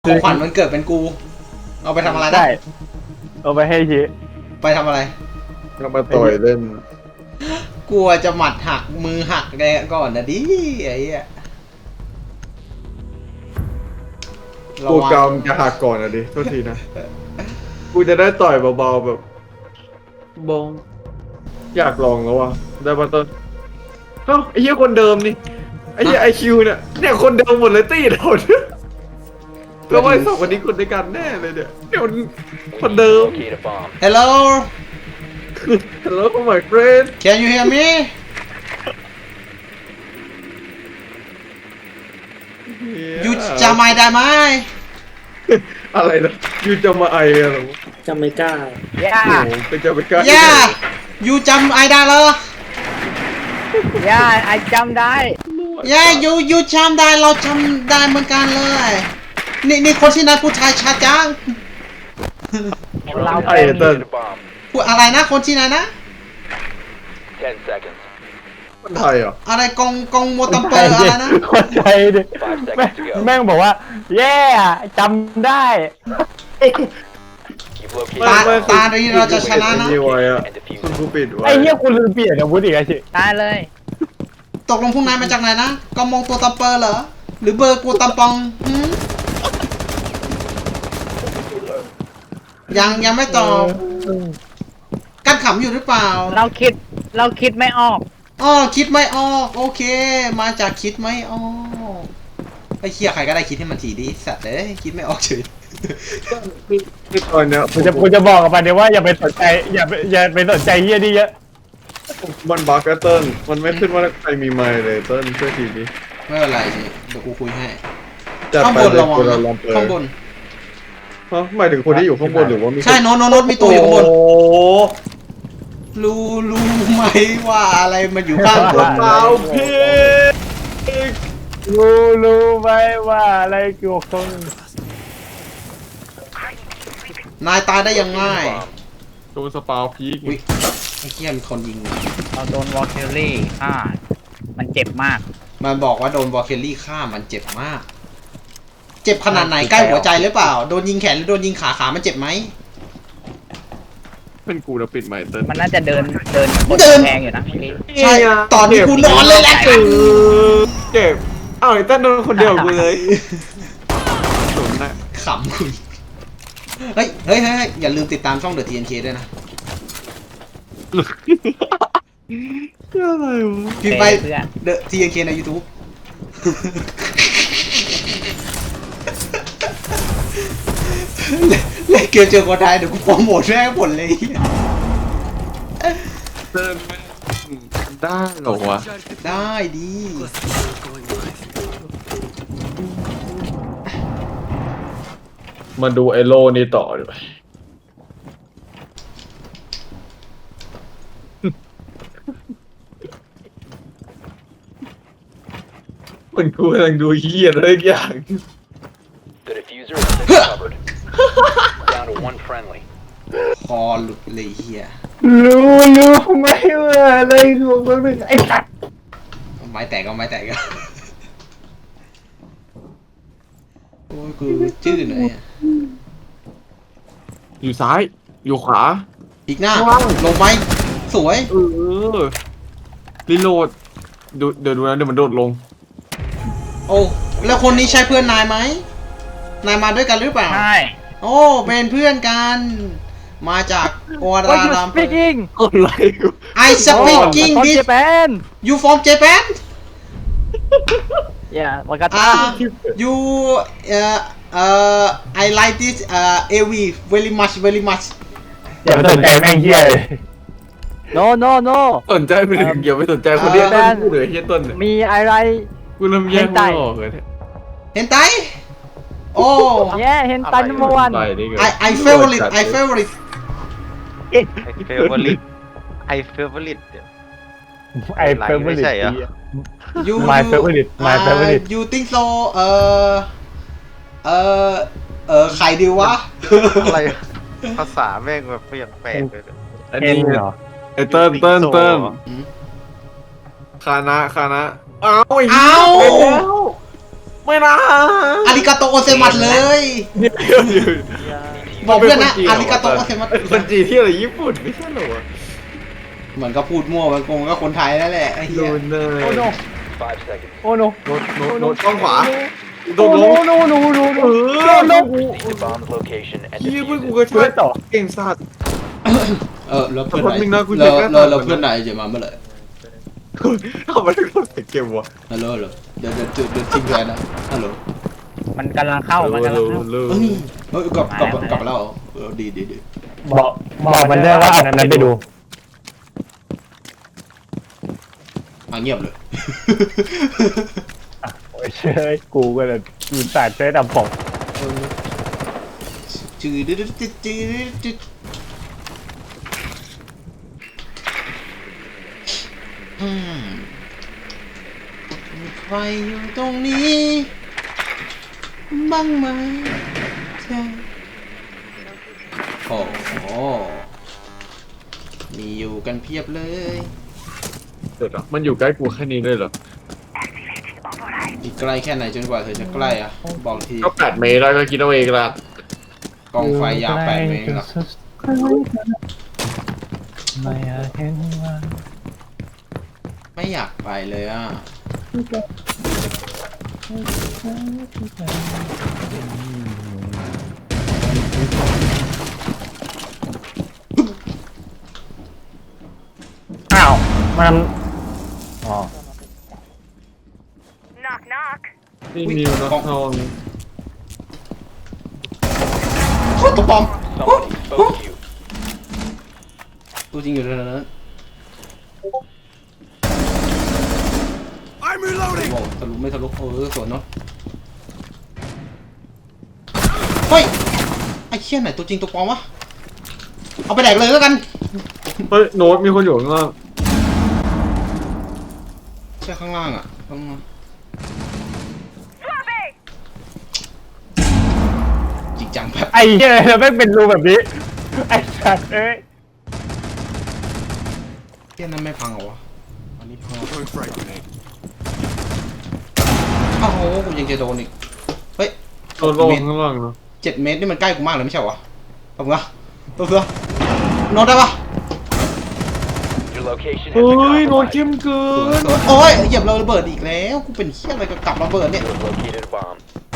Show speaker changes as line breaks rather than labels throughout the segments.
ของขวัญมันเกิดเป็นกูเอาไปทำอะไรได้
เอาไปให้ชี
ไปทำอะไร
ก็มาต่อยเล่น
กลัวจะหมัดหักมือหักแกก่อนนะดิไอ้เหี้ย
กูกำจะหักก่อนนะดิโทษทีนะกูจะได้ต่อยเบาๆแบบบงอยากลองแล้วว่ะได้ปะต้นเอ้าไอ้เหี้ยคนเดิมนี่ไอ้เหี้ยไอคิวเนี่ยคนเดิมหมดเลยตี้เราเนี่ยแล้วว่าสองคนนี้คนด้วยกันแน่เลยเนี่ยคนเดิม
Hello
Hello my friend
Can you hear me ยูจะไม่ได้ไหม
อะไรนะยูจะมาไออะไร
จำไม่กล้า
ย่า
เป็นจะไม่กล้า
ย่ายูจำไอได้เหร
อย่าไอจำได้
ย่ายูจำได้เราจำได้เหมือนกันเลยนี่คนที่นั่นผู้ชายชาจัง
เรา
ไอเติ้ล
พูดอะไรนะคนที่ไหนนะ
คนไทยเหรอ
อะไรกองโมตัมเปอร์อะไรนะ
คนไทยดิแม่งบอกว่าแย่จำได้
ตาดีเราจะชนะนะ
คุณกูปิดไว้
ไอ้เหี้ยคุณลืมเปลี่ยนอาวุธอีกไอ้ชิตายเลย
ตกลงพวกนายมาจากไหนนะกองมองตัวตัมเปอร์เหรอหรือเบอร์กูตัมปองยังไม่ตอบกันขำอยู่หรือเปล่า
เราคิดไม่ออก
คิดไม่ออกโอเคมาจากคิดไม่ออกไอ้เคียใครก็ได้คิดให้มันทีดิสัตว์เลยคิดไม่ออกเฉย
คือตอนเนี้ย
กูจะบอกกับมันเนี่ยว่าอย่าไปสนใจอย่าไปสนใจเฮียดิเยอะ
มันบั๊กเติ้ลมันไม่ขึ้นว่าใครมีไมค์เลยเติ้ลช่วยทีดิ
ไม่เป็นไรสิเดี๋ยวกูคุยให้ข้างบนระวังข้างบน
หมายถึงคนที่อยู่ข้างบนหรือว่ามี
ใช่โน้ตมีตัวอยู่ข้างบนรู้ไหมว่าอะไรมันอยู่ข้างบน
เปล่าพี่
รู้ไหมว่าอะไรเกี่ยวกับ
นายตายได้ยังไง
โดนสปาวพีก
ไอ้เหี้ยมีคนยิง
เราโดนวอลเคลลี่ฆ่ามันเจ็บมาก
มันบอกว่าโดนวอลเคลลี่ฆ่ามันเจ็บมากเจ็บขนาดไหนใกล้หัวใจหรือเปล่าโดนยิงแขนหรือโดนยิงขามันเจ็บไหม
เป็นกูแล้วปิดไมค์เติ้ล
มันน่าจะเดินแพงอยู่นะ
ใช่ตอนนี้กูนอนเลยแหละ
เจ็บอ้าวไอ้เติ้ลโดนคนเดียวกูเลย
ขำคุณเฮ้ยอย่าลืมติดตามช่อง The TNK ด้วยนะ
อะไรวะ
พิมพ์ไป The TNK ใน YouTube เล่นเกมเจอคนไทยเดี๋ยวกูโปรโมทแม่งผลเลย
เติ้ลได้หรอวะ
ได้ดี
มาดูไอโลนี่ต่อดีไหมมันกูกำลังดูเหี้ยอะไรอย่าง
คอหลุดเลยเฮีย
รู้ไหมว่าอะไรของมันไอ้สัตว์
ไม้แตกโอ้ยกูชื่อหน่อย
อยู่ซ้ายอยู่ขวา
อีกหน้าลงไปสวย
รีโหลดเดี๋ยวดูนะเดี๋ยวมันโดดลง
โอ้แล้วคนนี้ใช่เพื่อนนายไหมนายมาด้วยกันหรือเปล่า
ใช่
โอ้เป็นเพื่อนกันมาจากโอราราม
อะไร
I speaking this you from Japan
yeah วากาตา
you I like this AV very much
อย่าไปสนใจแม่งเหี้ยเลย no
สนใจไปถึงอย่าไปสนใจคนเดียวต้นพูดเลยเฮียต้น
มีอะไร
กูเริ่มแย่งไม่ออกเลย
เห็นไตโอ้
เห็นไตนัมเบอร์วัน
I favorite
I favorite
ไม่ใช่เหรอ
my favorite you think so ใครดีวะ
อะไรภาษาแม่งแบบเปลี่ยนแปลกเลย
อันนี้เหรอไอเติ้ลคานะเอาไม่นะ
อาริกาโตโอเซมัสเลย
เดี๋ยว
บอกเพื่อนนะอาริกาโตโอเซมัส
คนจีนที่อะไรญี่ปุ่นไม่ใช่เหรอวะ
เหมือนก็พูดมั่วมันคงก็คนไทยนั่นแหละไอ้
โด
เหี้ย
นเลย
โอ้โน
5 seconds.
โอ้โน
โดนช่องขวาโด
โอ้
น
โน
ลง
โนโนโนโน
เออโดน
Proceed to bomb's location and
ยี่
defuse
เพื่อน
it.
กูก็ช่วย
ต่อ
เก่งสัตว์
แล้วเพื่อนไหน
แป๊บนึงนะกู
แล้
เช็
ว
คหน้า
แล้ว
ตาก่อนนะ
เพื่อนไหนจะมาเมื่อไหร่
ทำไมถึงต้องเสียเกมวะ
ฮัลโหลเดี๋ยวทิ้งแทนนะฮัลโหล
มันกำลังเข้ามันกำลังเข้า
เฮ้ยกลับมาแล้วดี
บอกมันได้ว่าอันนั้นไปดู
เงียบเลย
โอ้ยเชยกูก็เลยยืนสาดเชยดำผม
จืดมีใครอยู่ตรงนี้บ้างไหมเธอโอ้โหมีอยู่กันเพียบเลย
เดี๋ยวนะมันอยู่ใกล้กูแค่นี้เลยเหรอ
อีกใกล้แค่ไหนจนกว่าเธอจะใกล้อ่ะบอกที
ก็8 เมตรแล้วก็คิดเอาเองละ
กองไฟยาว8 เมตรหรอ
ไม่อยากเห็นว่า
ไม่อยากไปเลยอ่ะ
อ้าวมันอ๋อ
Knock knock.
นี่นิวนะทอง
โคตรตัวปลอม
Someone exposed you.
ตัวจริงอยู่ตรงนั้น
I'm reloading.
บอกทะลุไม่ทะลุสวนเนาะเฮ้ยไอ้เชี่ยไหนตัวจริงตัวปลอมวะเอาไปแดกเลยแล้วกัน
เฮ้ยโน้ตมีคนอยู่ข้างล่าง
ใช่ข้างล่างอ่ะข้างล่าง
Swapping.
จริงจังแบบ
ไอ้เหี้ยแล้วแม่งเป็นรูแบบนี้ไอ้สัตว์เอ้ย
เชี่ยนั้นไม่พังเหรอวะอันนี้พัง
Throwing frag grenade.
อ้าวโหกูยังจะโดนอีกเฮ้ย
โดนลงข้างล่างเนาะ
7 เมตรนี่มันใกล้กูมากเลยไม่ใช่เหรอวะเอามึงอะตัวเสือโน้ตได้ปะ
Your location has
เฮ้
been
ยโน้ต
compromised.
เข้มเกิ
สวน
น
สวนโอ้ยเหยียบเราระเบิดอีกแล้วกูเป็นเชี่ยอะไรกับกลับระเบิดเนี่ย
You have located a bomb.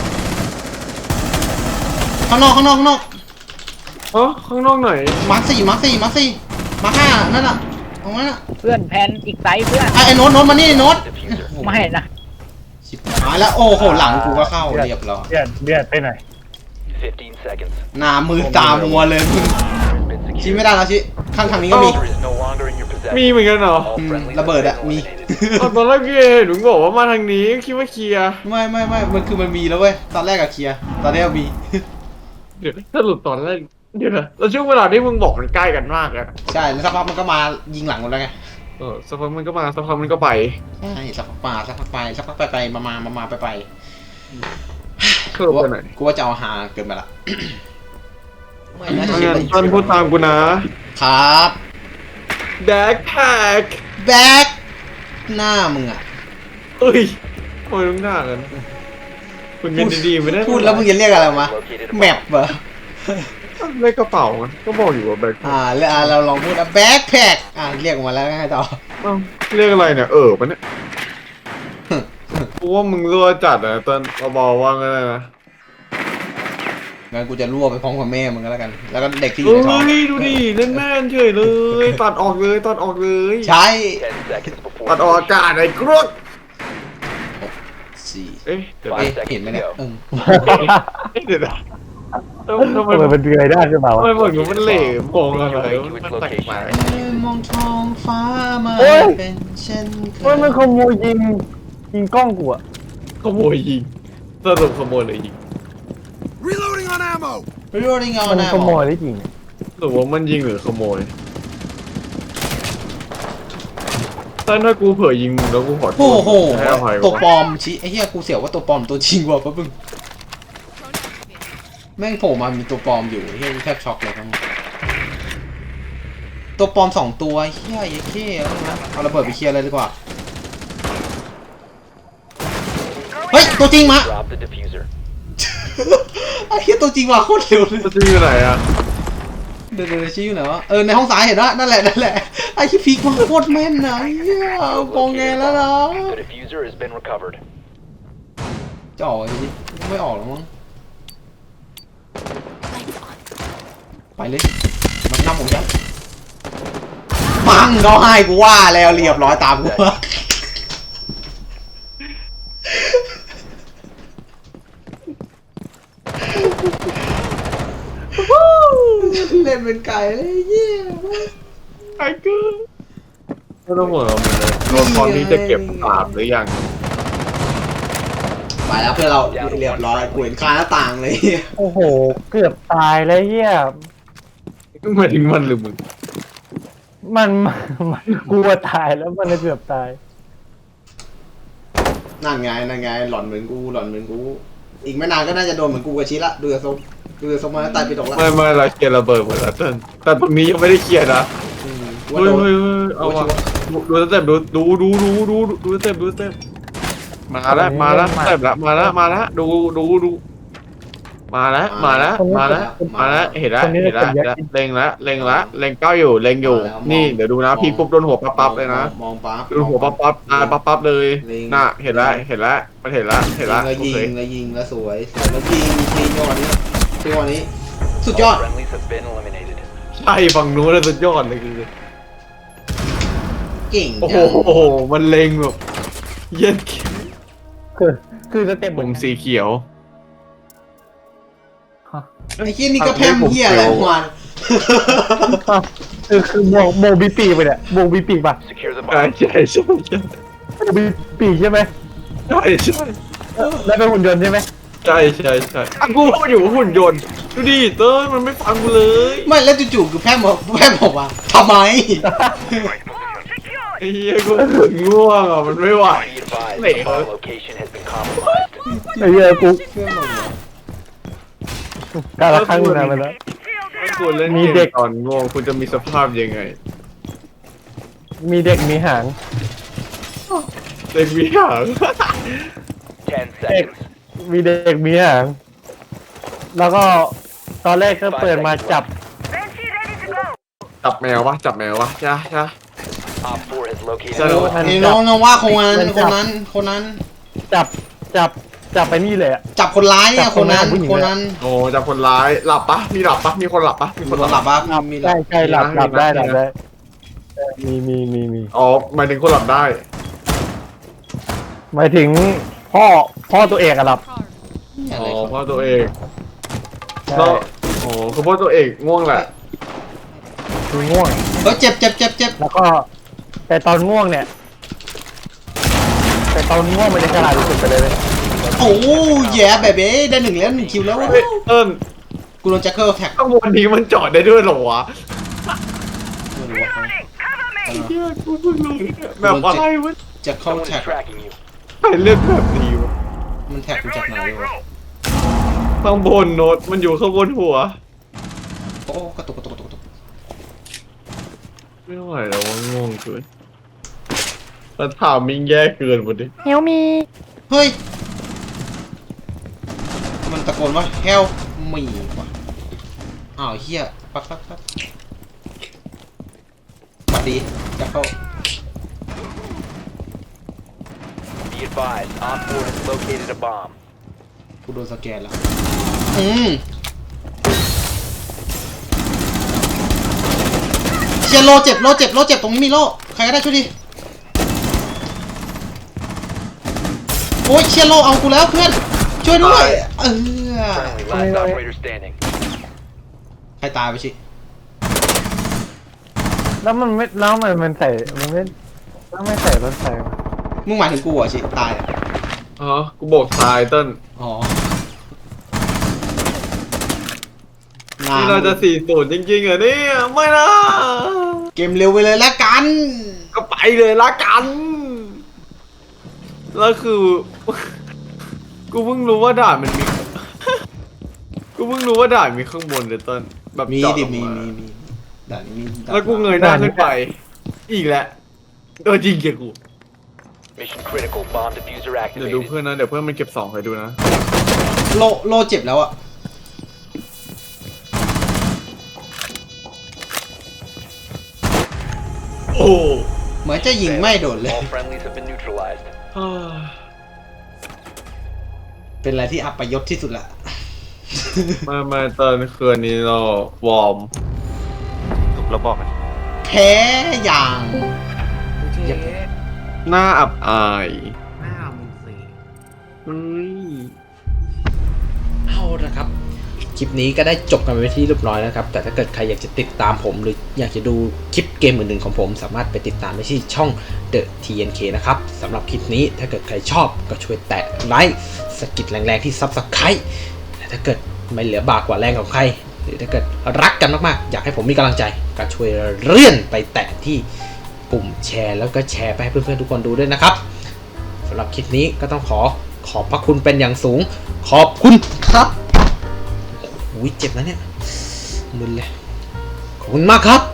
ข้างนอก
อ๋อข้างนอกไหน
มาร์คสี่มาร์คห้านั่นน่ะตรงนั้นน่ะ
เพื่อนแพนอีกไซส์เพื่อน
ไอ้โน้ตมานี่โน้ต
Diffuser.
ไม่นะ
ชิบหายแล้วโอ้โหหลังกูก็เข้าเรียบร้อย
เดือดไปหน่อย
15 seconds.
หน้ามือตามัวเลยมึง
Has been
ชี้
secured.
ไม่ได้แล้วชี้ข้างทางนี้ก็มี
Diffuser is no longer in your possession.
มีเหมือนกันเหรอ
All
Mm,
friendlies
ระเบิด
have
อะ
been
มี
eliminated.
ตอนแรกพี่เห็นหนูบอกว่ามาทางนี้คิดว่าเคลียร์
ไม่มันคือมันมีแล้วเว้ยตอนแรกอะเคลียร์ตอนนี้มี
เดี๋ยวสรุปตอนแรกเดี๋ยวนะแล้วช่วงเวลาที่มึงบอกมันใกล้กันมากอะ
ใช่แล้วสักพักมันก็มายิงหลังกูแล้วไง
สักพักมันก็มาสักพักมันก็ไป
ใช่สักพักมาสักพักไปสักพักไปมาไป
สรุปไปไหน
กูว่าจะเอาหาเกินไปละไม่นะ
งั้
ชิบ
นต้นพูดตามกูนะครับ แบ็คแพ็ค
แบ็คหน้ามึงอะ
เอ้ยทำไมต้องหน้ากันคุณเงินดีๆไม่ได้
พูดแล้วมึงจะเรียกอะไรมา
Located a
แม
bomb.
ปเหรอ
เลขกระเป๋ามันก็บอกอยู่ว่าแบ็คแพ็ค
แล้วเราลองพูดแบ็คแพคเรียกออกมาแล้วไงต่อ
เอ้าเรียกอะไรเนี่ยปะเนี่ยกูว่ามึงรั่วจัดอะตอนเบาๆว่างั้นเลยนะ
งั้นกูจะรั่วไปพร้อมกับแม่มึงก็แล้วกัน แล้วก็เด็กที่อยู่
เฮ้
ในท้อง
ยดูดิเล่นแม่นเฉยเลย ตัดออกเลยตัดออกเลย
ใช่
10 seconds before
ตัดออกอากาศไอ้กรวด
สี่
เอ๊ะเดี๋ยว
เอ๊ะเห็นไหมเนี่ย
เดี๋ยวนะทำไม
ทำไมมันเดือยได้ขึ้นมา
ทำ
วะ
ไมเหมือนมันเหล่มองอะไรมันแปลก
มองท้องฟ้ามา
โอ้ย
เป็นเช่นเค
เฮ้ยมัน
ย
ขโมยยิงกล้องกูอะ
ขโมยยิงสรุปขโมยเลยยิง
Reloading on ammo.
ไม่รู้ได้ไง
มัน
นะ
ขโมยได้จริง
สรุปว่ามันยิงหรือขโมยถ้ากูเผลอยิงมึงแล้วกูขอโท
โอ้
ษ
โห
ให้อภัย
ตัวปล
วะ
อมชี้ไอ้เหี้ยกูเสียวว่าตัวปลอมตัวจริงว่ะปะบึ้งแม่งโผล่มามีตัวปลอมอยู่ไอ้เหี้ยกูแทบช็อกเลยครับตัวปลอม2 ตัวไอ้เหี้ยไอ้เหี้ยเอาระเบิดไปเคลียร์เลยดีกว่า เฮ้ยตัวจริงมา
Drop the diffuser.
ไอ้เหี้ยตัวจริงว่ะโคตรเร็วเลย
ตัวจริงอยู่ไหนอะ
เดี๋ยวชี้อยู่ไหนวะในห้องซ้ายเห็นนะนั่นแหละไอ้ที่พีกมันโคตรแม่นนะไอ้เหี้ยมองไงแล้วนะ
The diffuser has been recovered.
จะออกจริงไม่ออกหรอกมั้งไปเลยมันนำผมจังปังเขาให้กูว่าแล้วเรียบร้อยตามกูเล่นเป็นไก่เลยเยี่ย
ไอ้กูไม่ต้องห่วงเราเลยตัวละครนี้จะเก็บปราบหรือยัง
ไปแล้วเพื่อนเราเรียบร้อยกูเห็นคาหน้าต่างเลย
โอ้โห เกือบตายเลยเฮีย
หมายถึงมันหรือมึง
มันกลัวตายแล้วมันเลยเกือบตาย
นั่นไงหล่อนเหมือนกูอีกไม่นานก็น่าจะโดนเหมือนกูกับชิละดูจากทรงมาตายไปตกละ
ไม่เราเคลียร์ระเบิดหมดแล้วเติ้ลแต่ตรงนี้ยังไม่ได้เคลียร์นะ
ว่า
เฮ้ย
โดน
เฮ้ยเอาวะดูสเต็ปดูสเต็ปมาแล้วสเต็ปละมาแล้วดูมาแล้วเห็นแล้วเล็งเก้าอยู่นี่เดี๋ยวดูนะพี่ปุ๊บโดนหัวปั๊บเลยนะ
มองปั๊บ
โดนหัวปั๊บปั๊บเลยน่ะเห็นแล้วมันเห็นแล้ว
แล้วยิงแล้วสวยแล้วยิงจังหวะนี้สุดยอด
All friendlies have been eliminated.
ใช่ฝั่งนู้นเลยสุดยอดเลยคือ
เก่ง
โอ้
จัง
โหมันเล็งแบบเย็น
คือสเต็ป
ผมสีเขียว
ไอ้เหี้ยนี่ก็แพมเหี้ยอะไรของมัน
คือโมบิปีกไปเนี่ยโมบิปีกป่ะ
Secure the
ใช่
bomb.
โมบิปีกใช่ไหมแล้วเป็นหุ่นยนต์ใช่ไหม
ใช่กูพูดอยู่ว่าหุ่นยนต์ดูดิเต้ยมันไม่ฟังกูเลย
ไม่แล้วจู่ๆคือแพมบอกว่าทำไม
ไอ้เหี้ยกูง่วงอ่ะมันไม่ไหว
Be advised,
Wait,
the bomb location has been compromised.
ไอ้เหี้ยกู
เพื่อนบอกว่า
การละครั้งหนึ่งนะมันแล้ว
ถ้าคุณเล่น
มี
เก
เด็
ม
ก
ก่อนง่วงคุณจะมีสภาพยังไง
มีเด็กมีหาง
เด็กมีหาง
10 seconds.
มีเด็กมีหาง แล้วก็ตอนแรกก็เปิดมาจับ
จับแมววะจ้า
Op 4 has located
สนุก
a bomb.
ไอ้น้องว่าคนนั้น
จับไปนี่เลยอะ
จับคนร้ายเนี่ยคนนั้น
โอ้จับคนร้ายหลับปะมีคนหลับปะ
มีคนหลับปะมี
ใช่หลับได้มี
อ๋อหมายถึงคนหลับได้
หมายถึงพ่อตัวเอกอะหลับ
อะ
อ๋
ไร
อ
ครับ
พ่อตัวเอง
ใช่
แล้วโอ้คือพ่อตัวเอกง่วงแหละ
คือง่วง
เจ็บ
แล้วก็แต่ตอนง่วงเนี่ยมันจะฉลาดที่สุดไปเลยเว้ย
โอ้แย่แบบได้1แล้ว1คิวแล้ว
เฮ้ยเติ้ล
กูโดนแจ็คเกิลแท็ก
ข้างบนนี้มันจอดได้ด้วยเหรอวะเฮียกูเพิ่งรู้แบบอะไรวะ
แจ็คเกิล
Someone
แท็ก
is tracking you.
ใครเลือกแบบนี้วะ
มันแท็กกูจากไหนวะ
ข้างบนโน้ตมันอยู่ข้างบนหัว
โอ้กระตุก
ไม่ไหวแล้วว่าง่วงเกินแล้วถามมิงแย่เกินหมดดิ
เฮียวมี
เฮ้ยมันตะโกนว่าเฮลมีว่ะอ้าวเฮียปั๊บสวัสดีแจ็คเกิล
Be advised, Op 4 has located a bomb.
กูโดนสแกนแล้วเชียร์โลเจ็บตรงนี้มีโลใครก็ได้ช่วยดิโอ้ยเชียร์โลเอากูแล้วเพื่อนช่วยด้วย
Friendly, last operator standing.
ใครตายไปชิ
แล้วมันใส่มันไม่ใส่รถไฟวะ
มึงหมายถึงกูเหรอชิตายอ่ะ
อ๋อกูบอกทายเติ้ล
อ๋อ
นี่เราจะ4-0จริงๆเหรอเนี่ยไม่นะ
เกมเร็วไปเลยแล้วกัน
ก็ไปเลยละกันแล้วคือ กูเพิ่งรู้ว่าด่านมันมี กูเพิ่งรู้ว่าด่านมีข้างบนเลยเติ้ลแบบ
มี
เจาะ
ดิ
ลง
มี
มา
ด่านนี้มี
แล้วกูเงยหน้าขึ้นไป อีกแล้วโดนจริงเกียกู
Mission critical. Bomb diffuser
เดี๋ยวดู
activated.
เพื่อนนะ เดี๋ยวเพื่อนมันเก็บ2ให้ดูนะ
โลเจ็บแล้วอะโอ้เหมือนจะยิงไม่โดนเลย
All friendlies have been neutralized.
เป็นอะไรที่อัปยศที่สุดละ
มาตอนคืนนี้เราวอร์ม
ถูกแล้วบอกมัน
แพ้อย่าง
หน้าอับอาย
หน้ามึงสิ
เฮ้ย
เอาละครับ คลิปนี้ก็ได้จบกันไปที่เรียบร้อยนะครับ แต่ถ้าเกิดใครอยากจะติดตามผมหรืออยากจะดูคลิปเกมอื่นๆของผมสามารถไปติดตามได้ที่ช่อง The TNK นะครับสำหรับคลิปนี้ถ้าเกิดใครชอบก็ช่วยแตะไลค์สะกิดแรงๆที่ Subscribe แต่ถ้าเกิดไม่เหลือบากกว่าแรงของใคร หรือถ้าเกิดรักกันมากๆอยากให้ผมมีกำลังใจก็ช่วยเลื่อนไปแตะที่ปุ่มแชร์แล้วก็แชร์ไปให้เพื่อนๆทุกคนดูด้วยนะครับสำหรับคลิปนี้ก็ต้องขอบพระคุณเป็นอย่างสูงขอบคุณครับอุ้ยเจ็บนะเนี่ยมึนเลยขอบคุณมากครับ